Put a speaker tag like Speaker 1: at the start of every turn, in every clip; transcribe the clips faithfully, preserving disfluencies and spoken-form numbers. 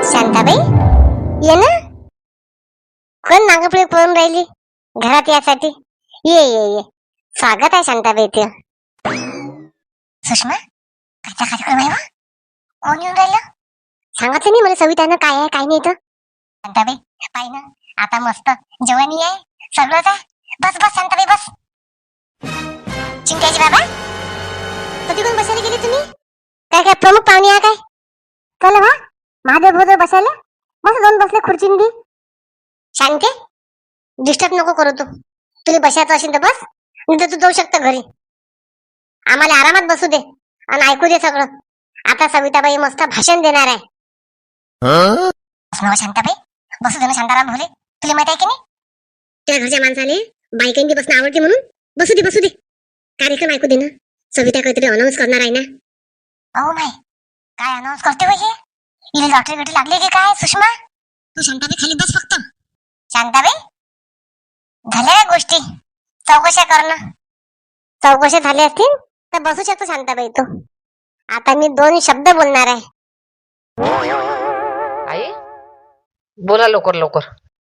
Speaker 1: शांताबाई ये ना. कोण मागपुढे पळून राहिली घरात यासाठी. ये ये ये स्वागत आहे शांताबाई. ते सुषमा कायचा कार्यक्रम आहे वा? कोण येऊन राहिलं? सांगितलं नाही मला सवितानं काय आहे काय नाही. तर शांताबाई पाय ना आता मस्त जेवणी आहे सगळंच आहे. बस बस शांताबाई बस. चिंताजी बाबा कधी कोण बसायला गेले तुम्ही? काय काय प्रमुख पाहुणे आहे काय? चला वा महादेव भोजर बसायला बस. दोन बसले खुर्चींनी. शांते डिस्टर्ब नको करू. तू तुला बसायचं असेल तर बस, नाही तर तू जाऊ शकता घरी. आम्हाला आरामात बसू दे आणि ऐकू दे सगळं. आता सविताबाई मस्त भाषण देणार आहे. शांताबाई बसू दे ना शांताराम भोले. तुला माहित आहे की नाही त्या घरच्या माणसाने बायकांची बसणं आवडते म्हणून. बसू दे बसू दे. कार्यक्रम ऐकू दे ना. सविता काहीतरी अनाऊन्स करणार आहे ना. अहो माय काय अनाऊन्स करते हे? इले लॉटरी गटी लागली की काय? सुषमा तू शांताबाई खाली बस फक्त. शांताबाई झाल्या गोष्टी चौकशा करणं. चौकशा झाल्या असतील तर बसू शकतो शांताबाई तू. आता मी दोन शब्द बोलणार आहे.
Speaker 2: आई बोला लवकर लवकर.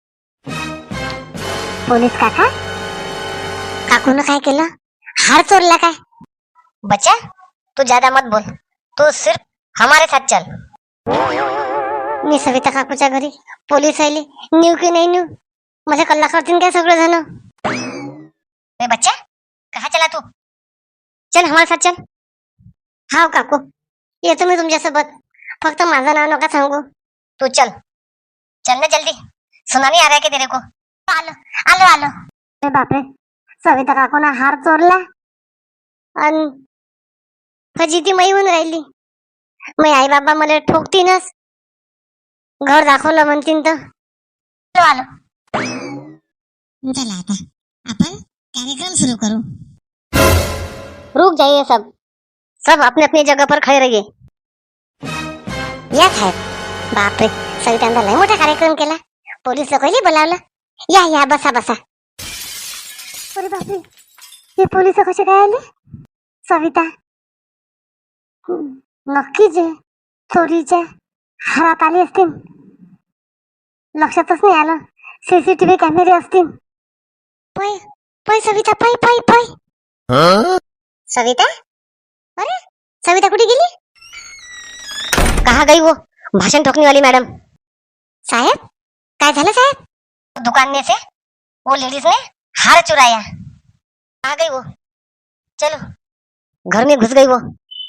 Speaker 1: पोलीस काका काकून काय केलं? हार चोरला काय? बच्चा तू ज्यादा मत बोल. तू सिर्फ हमारे साथ चल. मी सविता काकूच्या घरी पोलीस आले न्यू की नाही न्यू माझ्या कल्ला करतील काय सगळं जण. ए बच्चा कहा चला तू? चल हमारे साथ चल. हाव काकू येतो मी तुमच्यासोबत. फक्त माझं नाव नका सांगू. तू चल चल ना जल्दी. सुनामी आ रहा है क्या तेरे को? आलो आलो आलो. अरे बापरे सविता काकूना हार चोरला आणि फजिती मई होऊन राहिली. मग आई बाबा मला ठोकतीनच. घर दाखवलं म्हणतीन तर आलो. चला आता आपण कार्यक्रम सुरू करू. रुक जाइए सब. सब अपने अपनी जगह पर खड़े रहिए. या साहेब बापरे सवितांना लय मोठा कार्यक्रम केला. पोलीस लोकांनी बोलावलं. या या बसा बसा. अरे बापरे हे पोलीस कसे काय आले? सविता नक्कीच आहे चोरीच्या हातात आली असतील. लक्षातच नाही आलं. सीसीटीव्ही कॅमेरे असतील. पै पै सविता पै पै पै. सविता अरे सविता कुठे गेली? कहा गई वो भाषण ठोकने वाली मैडम? साहेब काय झालं साहेब? दुकान में से वो लेडीज ने हार चुराया. कहा गई वो? चलो घर में घुस गई वो.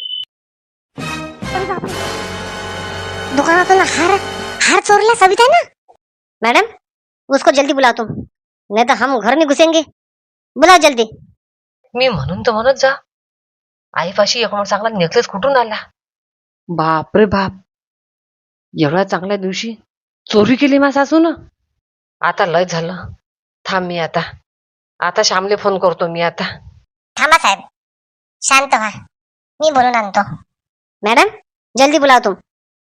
Speaker 1: दुकानातून हार हार चोरला सविता ना. मैडम उसको जल्दी बुलाओ तुम, नहीं तो हम घर में घुसेंगे. बुलाओ जल्दी.
Speaker 2: मी म्हणून तर म्हणत जा आईपाशी एक चांगला नेकलेस कुठून आला? बाप रे बाप एवढ्या चांगल्या दिवशी चोरी केली मा सासून. आता लय झालं. थांब मी आता आता श्यामले फोन करतो मी आता.
Speaker 1: थांबा साहेब शांत व्हा. मी बोलून आणतो. मॅडम जल्दी बुलाओ तुम.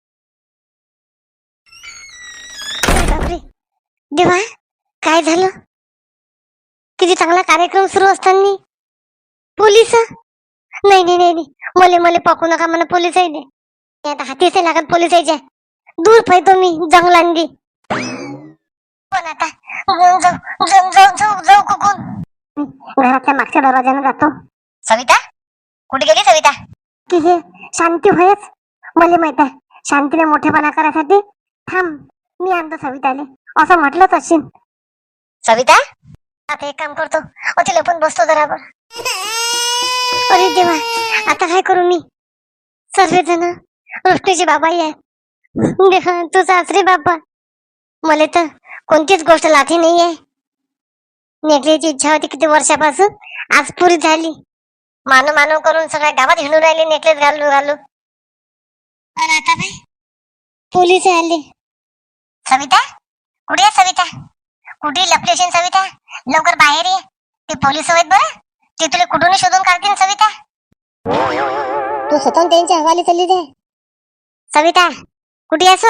Speaker 1: बापरे देवा काय झालं? किती चांगला कार्यक्रम सुरू असताना पोलीस. नाही नाही नाही मले मले पकू नका म्हणा पोलीस आहे. आता हातीचे लागत पोलीस यायच्या. दूर पाहतो मी जंगलांदी. पण आता जाऊ जाऊ जाऊ जाऊ जाऊ कुकून. घराच्या मागच्या दरवाजाने जातो. सविता कुठे गेली सविता? की हे शांती होयच मला माहित आहे. शांतीने मोठेपणा करायसाठी थांब मी आणतो सविताले असं म्हटलंच असेल. सविता आता एक काम करतो तिला पण बसतो जराबर. अरे देवा आता काय करू मी? सर्वजण रोष्टीचे बाबाही आहे. देवा तू सासरे बाबा. मला तर कोणतीच गोष्ट लाठी नाही आहे. नेकलेची इच्छा होती किती वर्षापासून आज पुरी झाली. मानव मानव करून सगळ्या गावात हिंडून राहिले नेकलेस घालू घालू. आणि आता बाई पोलीस आले. सविता कुठे आहे सविता? कुठे लपली असेल सविता? लवकर बाहेर ये. ते पोलीस आहेत बरं. ते तुला कुठून शोधून काढतील सविता. तू स्वतः त्यांच्या हवाली चालली दे. सविता कुठे आहेस?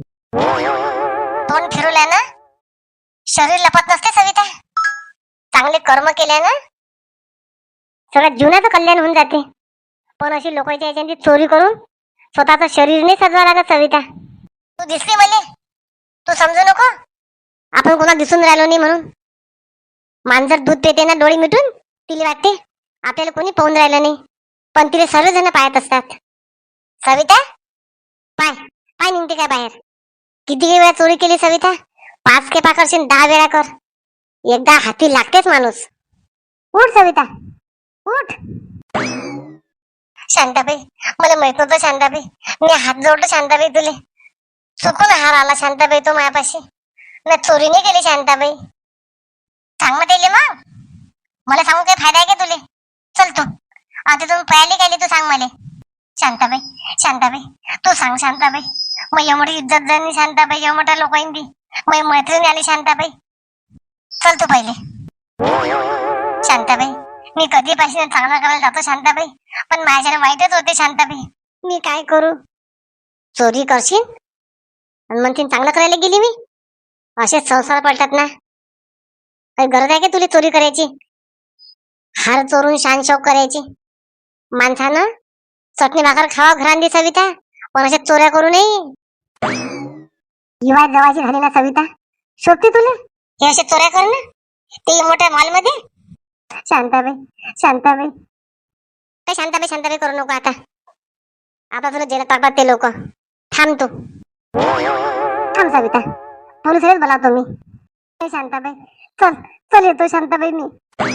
Speaker 1: तोंड फिरवल्या ना शरीर लपत नसते सविता. चांगले कर्म केल्या ना सगळ्या जीवनाचं कल्याण होऊन जाते. पण अशी लोकांच्या याच्याने चोरी करून स्वतःचं शरीर नाही सजवा लागत सविता. तू दिसली मले, तू समजू नको आपण कोणा दिसून राहिलो नाही म्हणून. मांजर दूध देते ना डोळे मिटून, तिला वाटते आपल्याला कोणी पाहून राहिलं नाही, पण तिला सर्वजण पाहत असतात. सविता पाय पाय निघते काय बाहेर. किती वेळा चोरी केली सविता? पाच के पा करशील, दहा वेळा कर, एकदा हाती लागतेच माणूस. उठ सविता उठ. शांताबाई मला माहित नव्हतं शांताबाई, मी हात जोडतो शांताबाई तुले. चुकून हार आला शांताबाई तो मायापाशी. मी चोरी नाही केली शांताबाई. सांग मग त्याले, मग मला सांगू काय फायदा आहे का तुले? चल तू आता तुम्ही पळाली काय तू सांग मला. शांताबाई शांताबाई तू सांग शांताबाई. मग एवढी इज्जत झाली शांताबाई, एवढ्या मोठ्या लोकांनी मग मैत्रीण आली शांताबाई. चल तू पहिले. शांताबाई मी कधीपासून चांगला करायला जातो शांताबाई, पण माझ्याने वाईटच होते शांताबाई. मी काय करू? चोरी करशील आणि म्हणशील चांगलं करायला गेली मी? असे संसार पलटत ना. काही गरज आहे का तुला चोरी करायची? हार चोरून शान शौक करायची? माणसानं चटणी भाकर खावा घरांदी सविता, पण अशा चोऱ्या करू नये. हिवाय जवाची झाली ना सविता, शोभते तुला हे अशा चोऱ्या कर ना, ते मोठ्या मॉल मध्ये. शांताबाई शांताबाई काय शांताबाई शांताबाई करू नको आता. आता तुला जेलात टाकतात ते लोक. थांब तू थांब सविता, पोलिसच बोलावतो मी. शांताबाई चल चल येतो शांताबाई मी.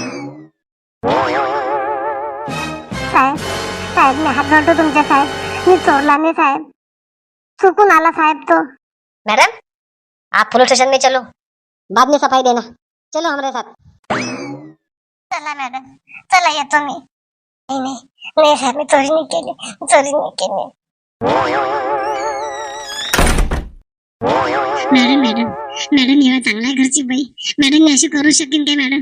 Speaker 1: साहेब साहेब मी हात जोडतो तुमच्या साहेब, मी चोरला नाही साहेब, चुकून आला साहेब तो. मैडम आप पुलिस स्टेशन में चलो, बाद में सफाई देना. चलो हमारे साथ. चला मॅडम चला येतो मी. नाही नाही नाही साहेब मी चोरी नाही केली, चोरी नाही केली. मॅडम मॅडम मॅडम एवढा चांगला घरची बाई, मॅडम मी अशी करू शकेन काय मॅडम?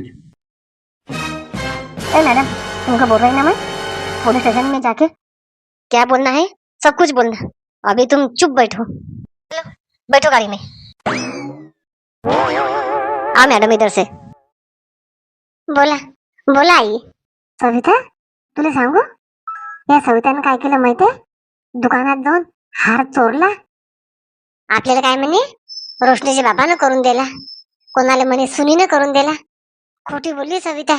Speaker 1: ए मैडम तुमको बोल रही ना मैं, पुलिस स्टेशन में जाके क्या बोलना है सब कुछ बोलना. अभी तुम चुप बैठो. चलो बैठो गाड़ी में. हाँ मैडम इधर से. बोला बोला आई. सविता तुला सांगू, या सवितानं काय केलं माहितीये? दुकानात जाऊन हार चोरला. आपल्याला काय म्हणे रोशनीच्या बाबानं करून दिला, कोणाला म्हणे सुनीनं करून दिला. खोटी बोलली सविता.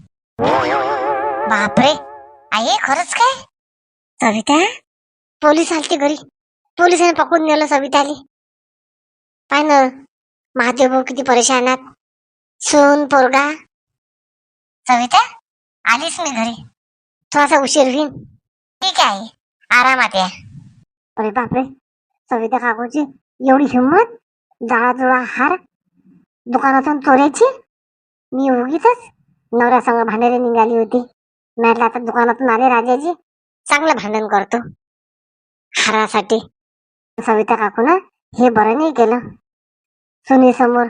Speaker 1: बापरे आई खरंच काय? सविता पोलीस आलते घरी, पोलिसांनी पकडून नेलं सविताली. पाय ना महादेव भाऊ किती परेशानात, सून पोरगा. सविता आलीस मी घरी, थोडासा उशीर होईल. ठीक आहे आरामात या. अरे बापरे सविता काकूची एवढी हिंमत, जाळा जुळा हार दुकानातून चोरायची. मी उगीच नवऱ्यासंग भांडायला निघाली होती. म्हटलं आता दुकानातून आले राजाजी, चांगलं भांडण करतो हारासाठी. सविता काकून हे बरं नाही केलं सुनी समोर.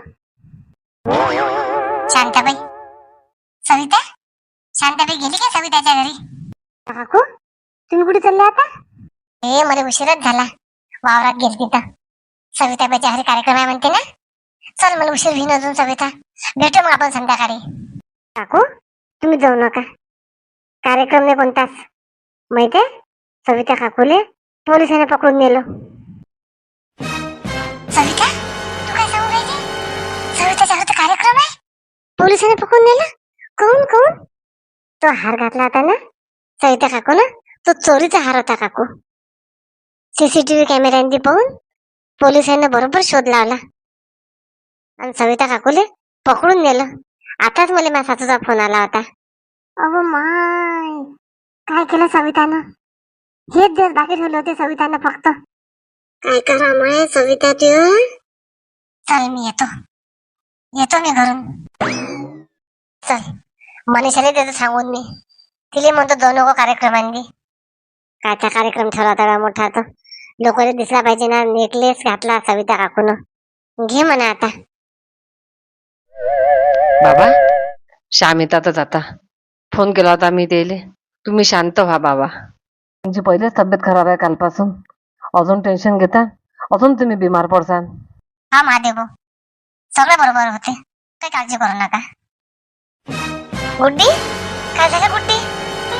Speaker 1: शांताबाई सविता शांताबाई गेली का सविताच्या घरी? काकू तुम्ही कुठे चालले आता? हे मला उशीरच झाला, वावरात गेली तिथं. सविताबाईच्या घरी कार्यक्रम आहे म्हणते ना. चल मला उशीर होईन अजून सविता, भेटू मग आपण संध्याकाळी. काकू तुम्ही जाऊ नका, कार्यक्रम नाही कोणताच. माहितीये सविता काकूले पोलिसांनी पकडून नेलं. सविता तू काय सांगू राहिली? सविताच्या घरी कार्यक्रम आहे, पोलिसांनी पकडून नेलं? कोण कोण? तो हार घातला होता ना सविता काकू ना, तो चोरीचा हार होता काकू. सीसीटीव्ही कॅमेऱ्यांनी पाहून पोलिसांनी बरोबर शोध लावला आणि सविता काकूले पकडून नेलं. आताच मला माझ्या सासूचा फोन आला होता. अहो माय काय केलं सवितानं? हेच दिवस बाकी ठेवले होते सवितानं फक्त. काय करा माय सविता तू. चल मी येतो येतो मी घरून. चल मनीषाने त्याचं सांगून मी तिले म्हणतो दोन नको कार्यक्रमांनी. कायचा कार्यक्रम ठरवला होता मोठा, तो लोकांना दिसला पाहिजे ना. नेकलेस घातला सविता काकून, घे म्हणा आता.
Speaker 2: बाबा श्याम येतातच आता. फोन केला होता मी त्याले, तुम्ही शांत व्हा बाबा. तुमची पहिलेच तब्येत खराब आहे कालपासून, अजून टेन्शन घेता, अजून तुम्ही बिमार पडसान.
Speaker 1: हा महादेव भाऊ सगळं बरोबर होते, काही काळजी करू नका. गुड्डी काय झालं गुड्डी?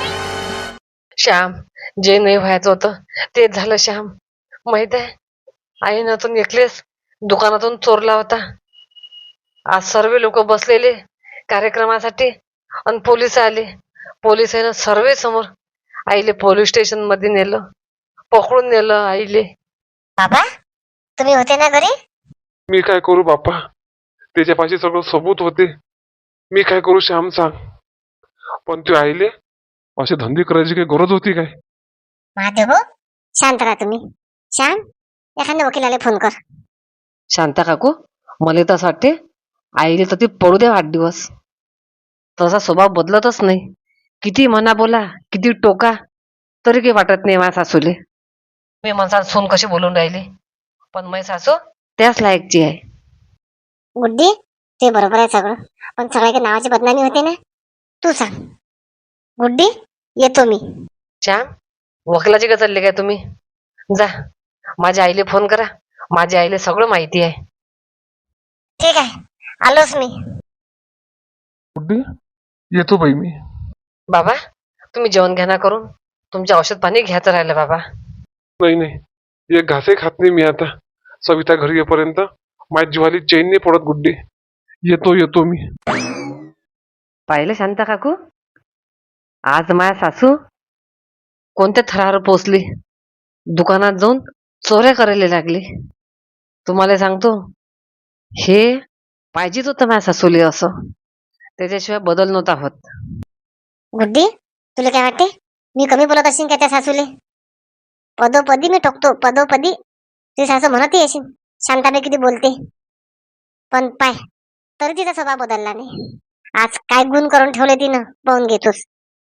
Speaker 2: श्याम जे नाही व्हायचं होतं ते झालं श्याम. माहित आहे आईनं तो नेकलेस दुकानातून चोरला होता. आज सर्व लोक बसलेले कार्यक्रमासाठी आणि पोलिस आले. पोलिसांना सर्वे समोर आईले पोलीस स्टेशन मध्ये नेलं, पकडून नेलं आईले.
Speaker 1: बाबा तुम्ही होते ना घरी?
Speaker 3: मी काय करू बाप्पा, त्याच्यापाशी सगळं सबूत होते. मी काय करू श्याम सांग. पण ते आईले असे धंदे करायची काही गरज होती काय?
Speaker 1: महादेव भाऊ शांत राहा तुम्ही. श्याम एखाद्या वकिलाला फोन कर.
Speaker 2: शांता काकू, मला तर असं वाटते आईले तर ते पडू द्या आठ दिवस. तसा स्वभाव बदलतच नाही. किती म्हणा बोला, किती टोका, तरी काही वाटत नाही माझ्या सासूले. मी माझा सून कशी बोलून राहिली, पण माझी सासू त्याच लायकची आहे.
Speaker 1: गुड्डी ते बरोबर आहे सगळं, पण सगळ्या नावाची बदनामी होते ना. तू सांग. गुड्डी येतो मी.
Speaker 2: श्याम, वकिलाची का चालले काय तुम्ही? जा, माझ्या आईले फोन करा. माझ्या आईले सगळं माहिती आहे.
Speaker 1: ठीक आहे आलोच मी.
Speaker 3: गुड्डी येतो बाई मी.
Speaker 2: बाबा तुम्ही जेवण घ्या ना करून. तुमचे औषध पाणी घ्यायचं राहिलं बाबा.
Speaker 3: नाही नाही, एक घासही खात नाही मी आता. सविता घरी येईपर्यंत माझ्या जीवाली चैन नाही पडत. गुड्डी येतो येतो मी.
Speaker 2: पाहिलं शांता काकू, आज माझ्या सासू कोणत्या थरावर पोचली. दुकानात जाऊन चोऱ्या करायला लागली. तुम्हाला सांगतो, हे पाहिजेच होतं माझ्या सासूले असं. त्याच्याशिवाय बदल नव्हता होत.
Speaker 1: गुड्डी तुला काय वाटते मी कमी बोलत असेल का त्या सासूले? पदोपदी मी टोकतो, पदोपदी. ती सासू म्हणत येशील शांताबाई किती बोलते, पण पाय तरी तिचा स्वभाव बदलला नाही. आज काय गुण करून ठेवले तिनं पाहून घेतोस.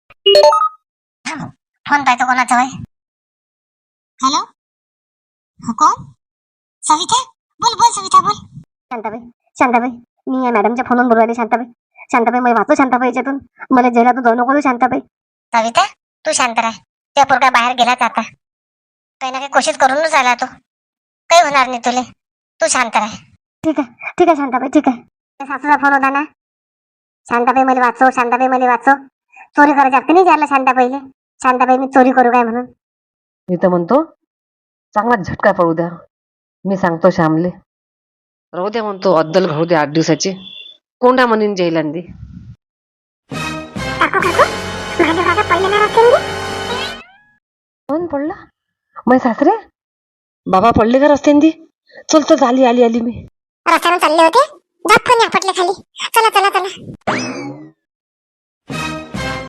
Speaker 1: फोन पाहतो कोणाचा होय. हॅलो हो कोण? सविता बोल बोल सविता बोल. शांताबाई शांताबाई मी या मॅडमच्या फोनवरून बोलू राहिली. शांताबाई शांताबाई मला वाचू. शांताबाई याच्यातून मला जेलातून जाऊ नको. शांताबाई सविता तू शांत राह. त्या पोरगा बाहेर गेलाच आता. काही ना काही कोशिश करूनच आला तो. काही होणार नाही तुले. तू शांत राह. ठीक आहे ठीक आहे शांताबाई ठीक आहे. त्या सासूचा फोन होता ना. शांताबाई मला वाचव, शांताबाई मला वाचव. चोरी करायची हक्क नाही विचारला शांताबाईले. शांताबाई मी चोरी करू काय म्हणून.
Speaker 2: मी तर म्हणतो चांगला झटका पडू द्या. मी सांगतो श्यामले, राहू द्या म्हणतो, अद्दल घडू द्या आठ दिवसाची. कोंडा म्हणून जैलांदी.
Speaker 1: काकू काकू माझ्या काका पडले ना रस्त्याने.
Speaker 2: कोण पडला? मै सासरे बाबा पडले का रस्त्यांदी? चल चल, आली आली आली मी.
Speaker 1: रस्त्याने चालले होते. जात फोन या पटले खाली. चला चला चला.